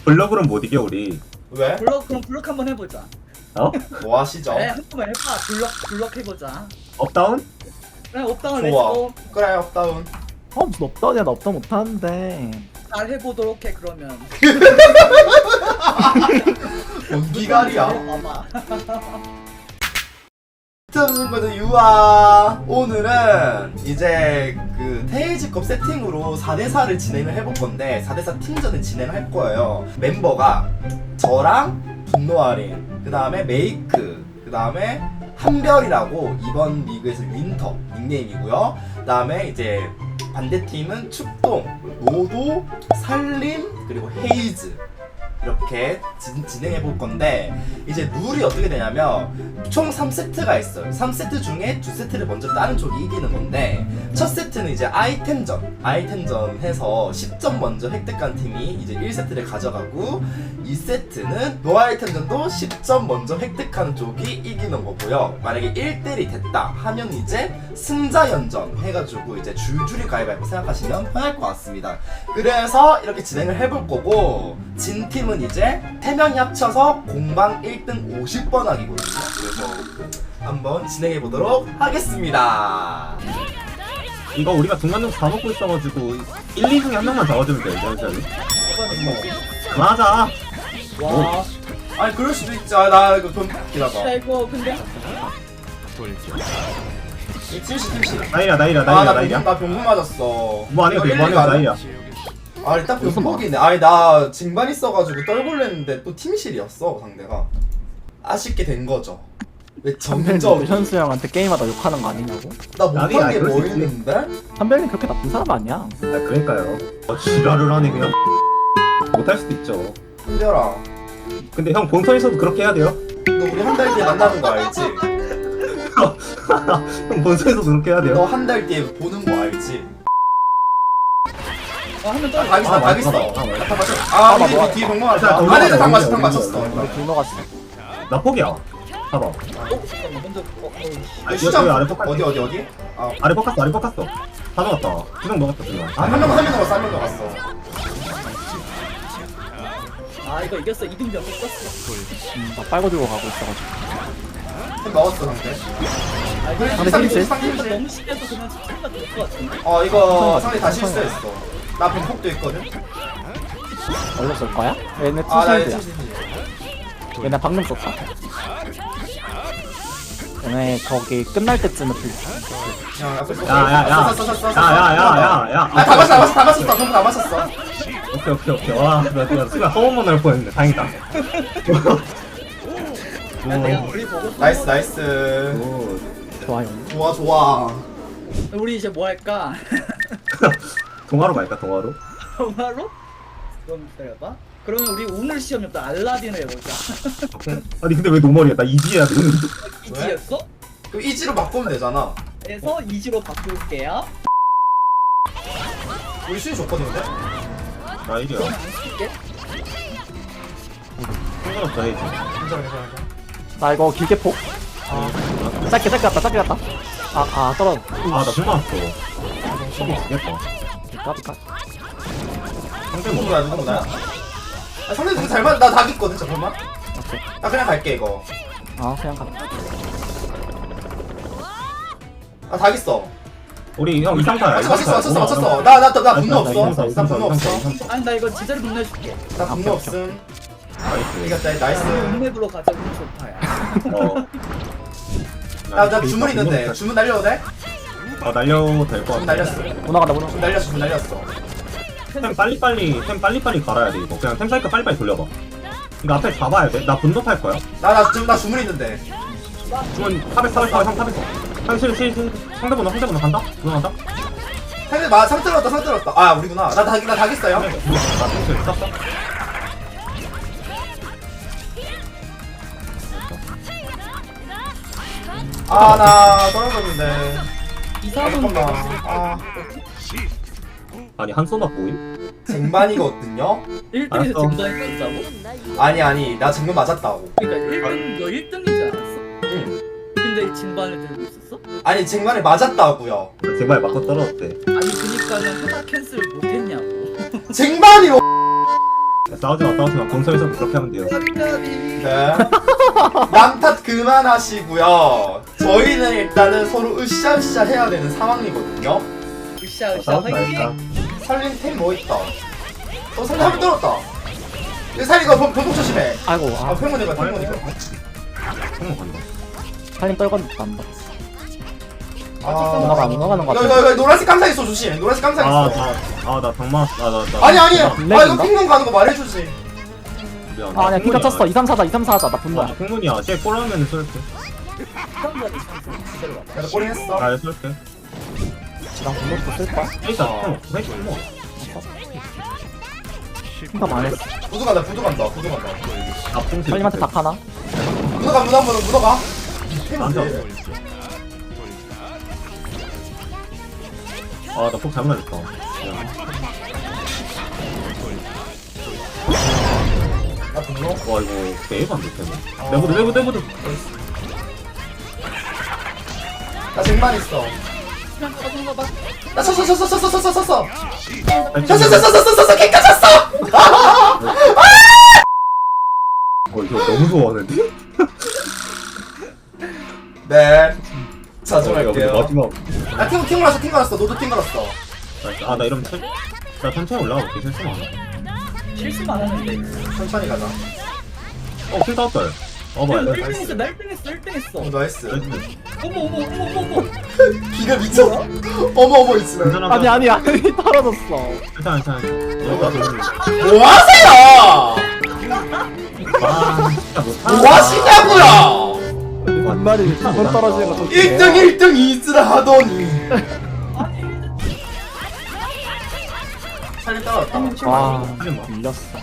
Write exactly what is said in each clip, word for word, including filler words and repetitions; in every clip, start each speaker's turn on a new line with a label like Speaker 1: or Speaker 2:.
Speaker 1: 블럭으로는 못 이겨 우리.
Speaker 2: 왜?
Speaker 3: 블럭 그럼 블럭 한번 해보자.
Speaker 1: 어?
Speaker 2: 뭐 하시죠?
Speaker 3: 네, 한 번만 해봐. 블럭 블럭 해보자.
Speaker 1: 업다운?
Speaker 3: 그래 업다운
Speaker 2: 좋아.
Speaker 3: 렛츠고.
Speaker 2: 그래 업다운.
Speaker 4: 어 무슨 업다운이야 나 업다운 못하는데.
Speaker 3: 잘 해보도록 해 그러면.
Speaker 2: 뭔 기갈이야?
Speaker 3: 봐봐.
Speaker 2: 친구들 유아. 오늘은 이제 그 테이즈컵 세팅으로 사 대 사를 진행을 해볼 건데 사 대 사 팀전을 진행할 거예요. 멤버가 저랑 분노아린, 그 다음에 메이크, 그 다음에 한별이라고 이번 리그에서 윈터 닉네임이고요. 그 다음에 이제 반대팀은 축동, 노도, 살림, 그리고 헤이즈 이렇게 진, 진행해 볼 건데 이제 룰이 어떻게 되냐면 총 삼 세트가 있어요. 삼 세트 중에 두 세트를 먼저 따는 쪽이 이기는 건데 첫 세트는 이제 아이템전 아이템전 해서 십 점 먼저 획득한 팀이 이제 일 세트를 가져가고 이 세트는 노 아이템전도 십 점 먼저 획득하는 쪽이 이기는 거고요. 만약에 일 대 일이 됐다 하면 이제 승자연전 해가지고 이제 줄줄이 가위바위보 생각하시면 편할 것 같습니다. 그래서 이렇게 진행을 해볼 거고 진 팀은 이제 세 명이 합쳐서 공방 일 등 오십 번 하기거든요. 그래서 한번 진행해 보도록 하겠습니다.
Speaker 1: 이거 우리가 중간중간 다 먹고 있어가지고 일, 이 중에 한 명만 잡아주면 돼. 이런 그만하자.
Speaker 3: 와.
Speaker 2: 아니 그럴 수도 있지. 아, 나 이거 돈 기다봐.
Speaker 3: 야 이거 근데
Speaker 2: 이 팀시 팀시.
Speaker 1: 나이라 나이라
Speaker 2: 아나
Speaker 1: 나이라
Speaker 2: 병,
Speaker 1: 나이라.
Speaker 2: 나 병금 맞았어.
Speaker 1: 뭐 안해
Speaker 2: 이거
Speaker 1: 뭐 안해
Speaker 2: 일리가 안-
Speaker 1: 나이라.
Speaker 2: 아 일단 병폭이네. 아니 나 징반 있어가지고 떨굴랬는데 또 팀실이었어 상대가. 아쉽게 된 거죠. 왜
Speaker 4: 한별님
Speaker 2: 점점
Speaker 4: 현수 형한테 게임하다 욕하는 거 아니냐고?
Speaker 2: 나
Speaker 1: 나비,
Speaker 2: 못한
Speaker 1: 아니,
Speaker 2: 게
Speaker 1: 그럴
Speaker 2: 뭐
Speaker 1: 수 있지.
Speaker 2: 있는데?
Speaker 4: 한별님 그렇게 나쁜 사람 아니야.
Speaker 1: 아 그러니까요. 어, 지랄을 하네 그냥. 못할 수도 있죠.
Speaker 2: 한별아,
Speaker 1: 근데 형 본선에서도 그렇게 해야 돼요?
Speaker 2: 너 우리 한 달 뒤에 만나는 거 알지?
Speaker 1: 형 본선에서도 그렇게 해야 돼요?
Speaker 2: 너 한 달 뒤에 보는 거 알지?
Speaker 3: 한명
Speaker 2: 아,
Speaker 3: 떨어.
Speaker 2: 닭 있어,
Speaker 1: 아,
Speaker 2: 닭 있어.
Speaker 1: 맞다. 아, 맞다.
Speaker 2: 닭 맞췄어. 아, 우리
Speaker 4: 뭐야.
Speaker 2: 우리 뒤에 병만
Speaker 1: 자,
Speaker 2: 맞았어.
Speaker 1: 돌려,
Speaker 2: 안에서 닭
Speaker 1: 돌려,
Speaker 2: 맞췄어, 닭
Speaker 1: 돌려.
Speaker 2: 맞췄어.
Speaker 4: 우리 분노 갔어.
Speaker 1: 나 포기야. 봐봐.
Speaker 3: 어 잠깐만 먼저. 어, 어.
Speaker 1: 아,
Speaker 2: 수장
Speaker 1: 여기 아래 포카.
Speaker 2: 어디 어디 어디? 아,
Speaker 1: 아래 포카스 아래 포카스. 다 넣었다. 두명 넣었다 두 명.
Speaker 2: 아, 한 명, 한 명 넘었어, 한 명 넘었어.
Speaker 3: 아 이거 이겼어. 이등병 떴어.
Speaker 4: 음, 나 빨고 들고 가고 있어가지고.
Speaker 2: 한 먹었어, 상대.
Speaker 3: 아 그냥
Speaker 4: 근데
Speaker 2: 상대
Speaker 4: 팀실?
Speaker 2: 상대
Speaker 3: 이거
Speaker 2: 팀실.
Speaker 3: 너무 심해서 그냥 스킬가 될것 같은데.
Speaker 2: 어, 이거 상대 다 실수했어. 나 병폭도 있거든.
Speaker 4: 얼렸을 거야? 얘네
Speaker 2: 아, 나
Speaker 4: 투실드야.
Speaker 2: 팀실.
Speaker 4: 얘네 방금 썼다. 얘네 거기 끝날 때쯤에 풀.
Speaker 2: 야, 앞에 쏘-
Speaker 1: 야야야.
Speaker 2: 쏘- 쏘- 쏘- 쏘- 쏘-
Speaker 1: 야야야야야.
Speaker 2: 아, 다 맞았어, 다 맞았어, 다 맞았어. 병폭 다 맞았어.
Speaker 1: 오케이 오케이 오케이. 와, 나 내가 순간 허원만 날 뻔했네. 다행이다.
Speaker 3: 야, 내가 우리 보고
Speaker 2: 나이스, 나이스.
Speaker 1: 오.
Speaker 4: 좋아요.
Speaker 2: 좋아, 좋아.
Speaker 3: 우리 이제 뭐 할까?
Speaker 1: 동화로 갈까 동화로?
Speaker 3: 정말로? 그럼 기다려봐. 그러면 우리 오늘 시험이 또 알라딘을 해보자.
Speaker 1: 아니 근데 왜 노멀이야? 나 이지야 너는.
Speaker 3: 이지였어?
Speaker 2: 그럼 이지로 바꾸면 되잖아.
Speaker 3: 그래서 이지로 바꿀게요.
Speaker 2: 우리 수위 좋거든, 근데?
Speaker 1: 나 이리야.
Speaker 3: 그럼 안 쓸게.
Speaker 1: 상관없다 해지.
Speaker 2: 괜찮아, 괜찮아, 괜찮아.
Speaker 4: 나 이거 길게 폭. 아, 짧게 짧게 갔다 짧게 갔다. 아, 아 떨어.
Speaker 1: 아나 불만 왔어. 저기 죽겠다.
Speaker 4: 까비 까.
Speaker 1: 상대 뭐?
Speaker 2: 누구야, 누구야? 아, 상대 되게 잘 맞, 나닭 있거든, 잠깐만.
Speaker 4: 오케이.
Speaker 2: 나 그냥 갈게, 이거.
Speaker 4: 아 그냥 가.
Speaker 2: 아, 닭 있어.
Speaker 1: 우리 형 이상타야.
Speaker 2: 맞췄어, 맞췄어, 맞췄어, 맞췄어. 나, 나, 나 분노 없어.
Speaker 1: 이상타,
Speaker 2: 나
Speaker 1: 이상타,
Speaker 2: 분노 없어.
Speaker 1: 이상타, 이상타.
Speaker 3: 아니 나 이거 제대로 분내줄게.
Speaker 2: 나
Speaker 4: 아,
Speaker 2: 분노
Speaker 4: 오케이,
Speaker 2: 없음.
Speaker 1: 나이스.
Speaker 2: 이겼다, 나이스.
Speaker 3: 룸맵으로 가자. 우리 좋다야.
Speaker 1: 어.
Speaker 2: 야, 나 주문 있는데. 주문 날려도 돼?
Speaker 1: 어 날려도 될 것
Speaker 2: 주문
Speaker 1: 같아.
Speaker 2: 날렸어.
Speaker 4: 문화 간다 문화.
Speaker 2: 주문 날렸어, 주문 날렸어.
Speaker 1: 템 빨리빨리 템 빨리빨리 갈아야 돼 이거. 그냥 템 사이클 빨리빨리 돌려봐. 이거 앞에 잡아야 돼. 나 분노 팔 거야.
Speaker 2: 나, 나, 주문, 나 주문 있는데.
Speaker 1: 주문 탑에 탑에 탑에 상 탑에서. 상실 실 상대 번호 상대 번호 간다. 번호 간다.
Speaker 2: 상대, 마, 상 들었다, 상 들었다. 아, 우리구나. 나 닭, 나 닭 있어요.
Speaker 1: 나 상실 썼어.
Speaker 2: 아, 나 떨어졌는데.
Speaker 3: 이사분
Speaker 2: 잠깐만. 아,
Speaker 1: 아니 한 소나 보임?
Speaker 2: 쟁반이거든요?
Speaker 3: 일 등에서
Speaker 1: 알았어.
Speaker 3: 증반이 떴다고?
Speaker 2: 아니, 아니. 나 쟁반 맞았다고.
Speaker 3: 그러니까 일 등 너 일 등이지 않았어?
Speaker 2: 응.
Speaker 3: 근데 진반을 들고 있었어?
Speaker 2: 아니, 쟁반에 맞았다고요.
Speaker 1: 제발 맞고 떨어졌대.
Speaker 3: 아니 그니까는 하나 캔슬 못했냐고.
Speaker 2: 쟁반이
Speaker 1: 야, 싸우지 마 싸우지 마 공성에서 그렇게 하면 돼요.
Speaker 2: 네. 남탓 그만하시고요. 저희는 일단은 서로 으쌰으쌰 해야 되는 상황이거든요.
Speaker 3: 으쌰으쌰
Speaker 1: 싸우지
Speaker 3: 화이팅.
Speaker 1: 말자.
Speaker 2: 살린 템 뭐 있다. 어 살린 한번 떨었다. 이거 살린 거 변동 조심해.
Speaker 4: 아이고
Speaker 2: 아
Speaker 4: 아
Speaker 2: 팽문이가 팽문이가.
Speaker 1: 한번 간다.
Speaker 4: 살림 떨궜단다.
Speaker 2: 아.
Speaker 4: 누나가 안 넘어가는 것
Speaker 2: 이거
Speaker 4: 같아.
Speaker 2: 이거 이거 노란색 깜짝 있어 조심. 노란색 깜짝 있어.
Speaker 1: 아나아나 장마 나나
Speaker 2: 아니 아니. 아
Speaker 4: 블랙인가?
Speaker 2: 이거 핑문 가는 거 말해주지.
Speaker 4: 아 아니야 피가 쳤어. 이 삼 사자 이 삼 사자 나
Speaker 1: 아
Speaker 4: 분노야.
Speaker 1: 풍문이야. 쟤 꼴하면 쏠게.
Speaker 2: 내가 꼬리 했어.
Speaker 1: 나 쏠게.
Speaker 4: 난 분노도 쓸 거야.
Speaker 1: 일단 형 회식 뭐.
Speaker 4: 핑감 안 했어.
Speaker 2: 부두 간다 부두 간다 부두 간다.
Speaker 1: 나풍
Speaker 4: 살림한테 닭 하나.
Speaker 2: 묻어가 묻어 묻어 묻어가.
Speaker 1: 나한테 아나 폭 잘못 날렸다.
Speaker 2: 나 분노.
Speaker 1: 와 이거 에이브 안 됐네. 내보드 내보드 내보드.
Speaker 2: 나 쟁반 있어. 나 쳤어 쳤어 쳤어 쳤어 쳤어 쳤어 쳤어 쳤어 쳤어 쳤어 개까 쳤어.
Speaker 1: 어 이거 너무 좋아하는데?
Speaker 2: 네. 자
Speaker 1: 어,
Speaker 2: 들어갈게요.
Speaker 1: 야, 마지막.
Speaker 2: 아 팀, 팀 걸었어 팀 걸었어 너도 팀 걸었어.
Speaker 1: 아나 이러면 천, 나 천천히 올라가 볼게. 실수 많아.
Speaker 3: 실수만 하는데.
Speaker 2: 천천히 가자.
Speaker 1: 어 킬 다웠다. 어 뭐야.
Speaker 3: 일 등 했어, 일 등 했어, 일 등 했어.
Speaker 2: 어 나이스.
Speaker 3: 어머 어머 어머 어머 어머.
Speaker 2: 기가 미쳤어. 어머 어머 있으면.
Speaker 1: 괜찮아.
Speaker 4: 아니 아니 아니 떨어졌어.
Speaker 1: 괜찮아 괜찮아. 여기가 너무.
Speaker 2: 뭐 하세요?
Speaker 1: 와 진짜 못하다.
Speaker 2: 뭐 하시냐고요?
Speaker 4: 반말이 두 번 떨어지는 거 좋지.
Speaker 2: 일 등 일 등 이즈라 하더니. 살림 따라왔다.
Speaker 4: 와
Speaker 1: 하지 마.
Speaker 4: 밀렸어.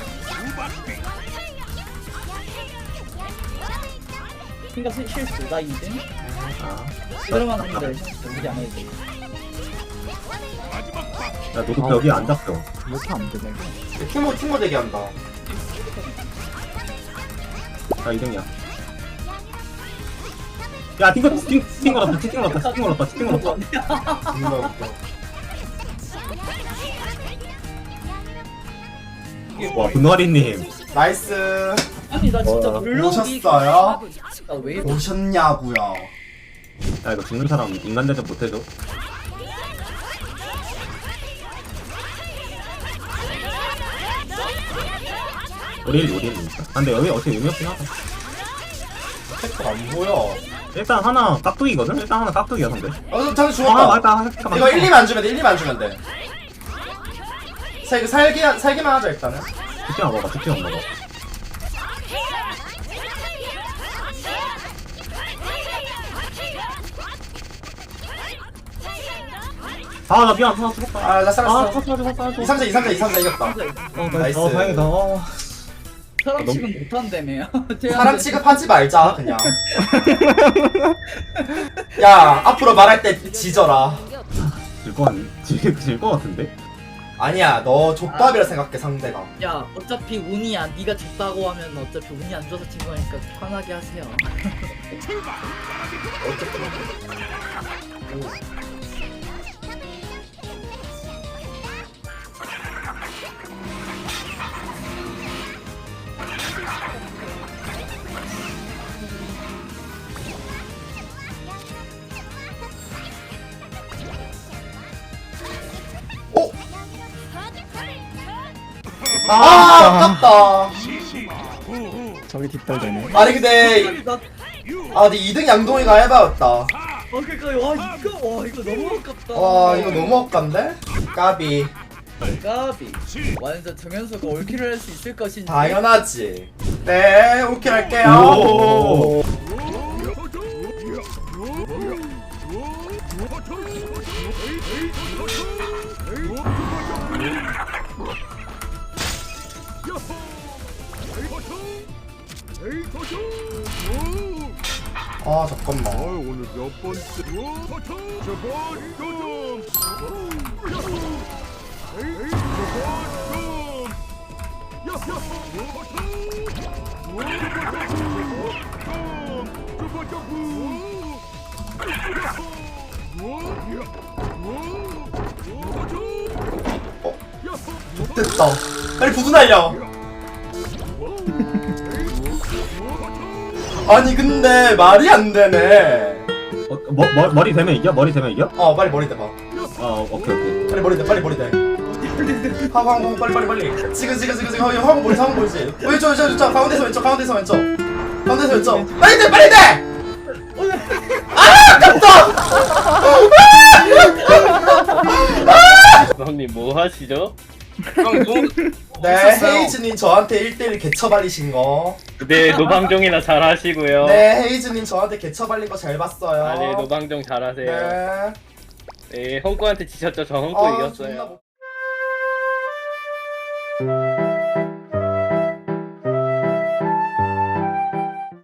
Speaker 3: 그니까 실수, 나 이 등.
Speaker 1: 아.
Speaker 3: 이대로만 하는데 우리 안 해도 돼.
Speaker 1: 야 너도 벽이 안 잡혀.
Speaker 4: 이렇게 안 되네.
Speaker 2: 팀모 팀모 대기한다.
Speaker 1: 나 이 등이야. 야 띵거 띵 띵거 났다 띵거 났다 띵거 났다 띵거 났다.
Speaker 2: 존나 웃겨.
Speaker 1: 와 분노아리님.
Speaker 2: 나이스.
Speaker 3: 아니 나 진짜
Speaker 1: 어,
Speaker 3: 물러오기.
Speaker 2: 오셨어요?
Speaker 3: 나왜
Speaker 2: 오셨냐고요.
Speaker 1: 야 이거 죽는 사람 인간 대접 못해줘. 우리 일 우리 일이니까. 아, 근데 여기 어떻게 의미 없긴 하다.
Speaker 2: 팩트 안 보여.
Speaker 1: 일단 하나 깍두기거든. 일단 하나 깍두기야 상대.
Speaker 2: 어, 잠시
Speaker 1: 아
Speaker 2: 죽었다.
Speaker 1: 맞다.
Speaker 2: 이거 일, 이만 안 주면 돼. 일, 이만 안 주면 돼. 사, 이거 살기, 살기만 하자, 일단은.
Speaker 1: 두팀 안 먹어. 두팀 안 먹어. 아 나 미안. 하나 죽었다.
Speaker 2: 아, 나
Speaker 1: 아
Speaker 2: 살았어.
Speaker 1: 사줘 사줘 사줘.
Speaker 2: 이, 삼 자, 이, 삼 자, 이, 삼 자 이겼다.
Speaker 1: 어
Speaker 2: 나이스.
Speaker 1: 어 다행이다. 어.
Speaker 3: 사람
Speaker 1: 너무-
Speaker 3: 취급 못한다며.
Speaker 2: 사람 취급하지 말자, 그냥. 야, 앞으로 말할 때 지져라.
Speaker 1: 질거 같 질거 같은데?
Speaker 2: 아니야, 너 족밥이라 생각해, 상대가.
Speaker 3: 야 어차피 운이야. 네가 졌다고 하면 어차피 운이 안 좋아서 진 거니까 편하게 하세요.
Speaker 2: 어? 아, 아깝다.
Speaker 4: 저기 뒷덜대네.
Speaker 2: 아니, 근데,
Speaker 3: 나
Speaker 2: 아, 근데 이 등 양동이가 해봐였다.
Speaker 3: 어, 그니까, 와, 이거, 와, 이거 너무 아깝다.
Speaker 2: 와, 이거 너무 아깝네? 까비.
Speaker 3: 까비. 완전 정현수가 올킬을 할 수 있을 것인지.
Speaker 2: 당연하지. 네, 오케이 할게요.
Speaker 1: 오.
Speaker 2: 아, 잠깐만.
Speaker 5: 오늘 몇 번째? 저번금
Speaker 2: 됐다. 빨리 부두 날려. 아니 근데 말이 안 되네.
Speaker 1: 어, 머, 머, 머리 되면 이겨? 머리 되면 이겨?
Speaker 2: 어 빨리 머리 대봐.
Speaker 1: 어 오케이 오케이.
Speaker 2: 빨리 머리 대. 빨리 머리 대. 하고 하고 빨리 빨리 빨리. 지금 지금 지금 지금 하고 머리 하고 머리지. 왼쪽 왼쪽 왼쪽 가운데서 왼쪽 가운데서 왼쪽 가운데서 왼쪽. 빨리 대 빨리 대. 아 아깝다.
Speaker 5: 형님 뭐 하시죠?
Speaker 2: 네 헤이즈님 저한테 일 대일 개처 발리신 거.
Speaker 5: 네 노방종이나 잘 하시고요.
Speaker 2: 네 헤이즈님 저한테 개처 발린 거 잘 봤어요.
Speaker 5: 아, 네 노방종 잘 하세요.
Speaker 2: 네.
Speaker 5: 네, 헝꾸한테 지셨죠? 저 헝꾸
Speaker 2: 아,
Speaker 5: 이겼어요.
Speaker 2: 존나 못-